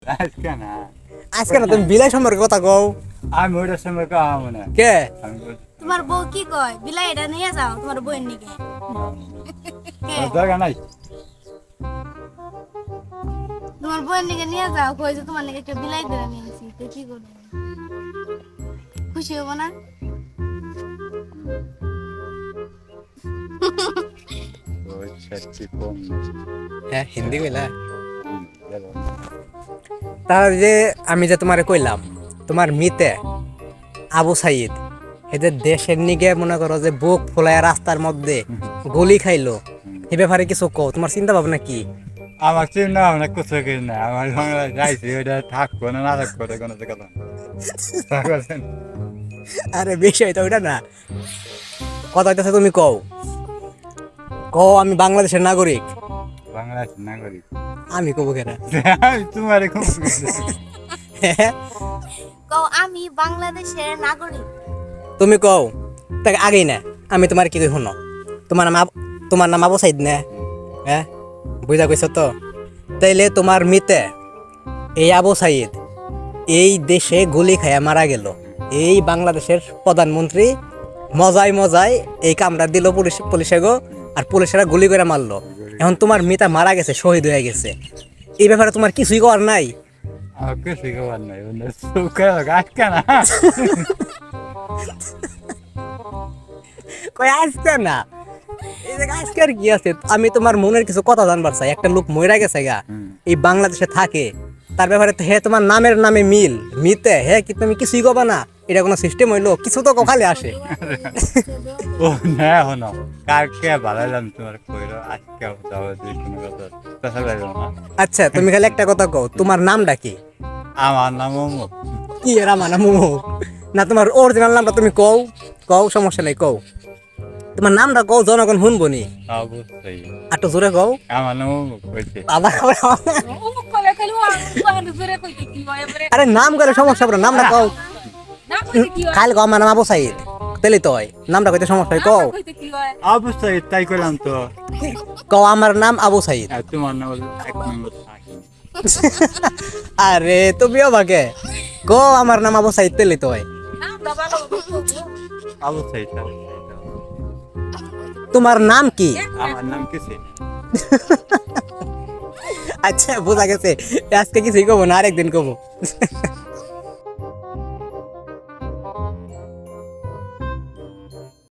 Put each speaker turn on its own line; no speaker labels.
আজকে না
আজকে না তুমি বিলাই সম্পর্কে কথা কও।
আমি ওটার সময় কাম না
কে
আমি
তোমার বউ কি কয় বিলাই এটা নিয়ে যাও তোমার বউয়ের নিকে
দরকার নাই
তোমার বউয়ের নিকে নিয়ে যাও কই যে তোমার নিকে একটা বিলাই ধরে নিয়েছি তো কি করবে খুশি হবো না
ওই ছেড়ছি কম
হ্যাঁ হিন্দি কইলা। তাহলে যে আমি যে তোমারে কইলাম তোমার মিতে আবু সাইদ এদের দেশের নিগে মনে করো যে বুক ফুলায় রাস্তার মধ্যে গলি খাইলো এ ব্যাপারে কিছু কও, তোমার চিন্তা ভাবনা কি?
আমার চিন্তা ভাবনা কিছু কিছু না আমার বাংলা যাইছি ওটা থাকবো না না থাকবো ওটা কোনো কথা না
আরে বিষয় তো ওইটা না, কথা হইতেছে তুমি কও কও আমি বাংলাদেশের নাগরিক।
বাংলাদেশ নাগরিক
আমি কব কেন?
তোমার খুব
কও আমি বাংলাদেশের নাগরিক
তুমি কও তাকে আগেই না আমি তোমার কি কই শুনো, তোমার নাম আবু সাইদ না? হ্যাঁ বুঝা কইছ তো? তাইলে তোমার মিতে এই আবু সাইদ এই দেশে গুলি খাইয়া মারা গেল, এই বাংলাদেশের প্রধানমন্ত্রী মজায় মজায় এই কামড়া দিল পুলিশে গো, আর পুলিশেরা গুলি করে মারলো। এখন তোমার মিতা মারা গেছে, শহীদ হয়ে গেছে, এই ব্যাপারে তোমার কিছুই করার নাই?
আমার কিছুই খবর নাই সুখে আজকে না
কই আজকে না, এই যে আজকে আর কি আছে? আমি তোমার মনের কিছু কথা জানবার চাই। একটা লোক মইরা গেছে গা, এই বাংলাদেশে থাকে, তার ব্যাপারে তো হে তোমার নামের নামে মিল মিতে হে কি তুমি কিছুই কবা না? এটা কোনো সিস্টেম হইলো? কিছু তো খালি আসে।
ও না হনো কালকে ভালো জান তোমার কইরো আজকে যাবো যে কোনো কথা তাছাড়া যাবো না।
আচ্ছা তুমি খালি একটা কথা কও, তোমার নামটা কি?
আমার নাম অমুক
কি এরা মানা মোমো না, তোমার অরিজিনাল নামটা তুমি কও, কও সমস্যা নাই, কও তোমার নামটা কও, জনগণ শুনবো নি,
অবশ্যই
আর তো জোরে কও।
আমার নাম অমুক হয়েছে
আবার
অমুক কলে খালি ওয়ান জোরে কইতে কি হয় এবারে
আরে নাম করে সমস্যা পড়ে, নামটা কও।
না কইতে কি হয়
খালি কও আমার নাম আবু সাইদ, তেলি তো হয়, নামটা কইতে সমস্যা হয়, কও
কইতে কি হয়
অবশ্যই তাই করলাম তো
কও আমার নাম আবু সাইদ।
আর তোমার নাম হলো এক নম্বর থাকি
আরে তুমিও ভাগে কও আমার নাম আবু সাইদ, তেলি তো হয়।
নামটা ভালো
অবশ্যই
তোমার নাম কি?
আমার নাম কিসে
আচ্ছা বোঝা গেছে, আজকে কিছুই কব না, আরেকদিন কব।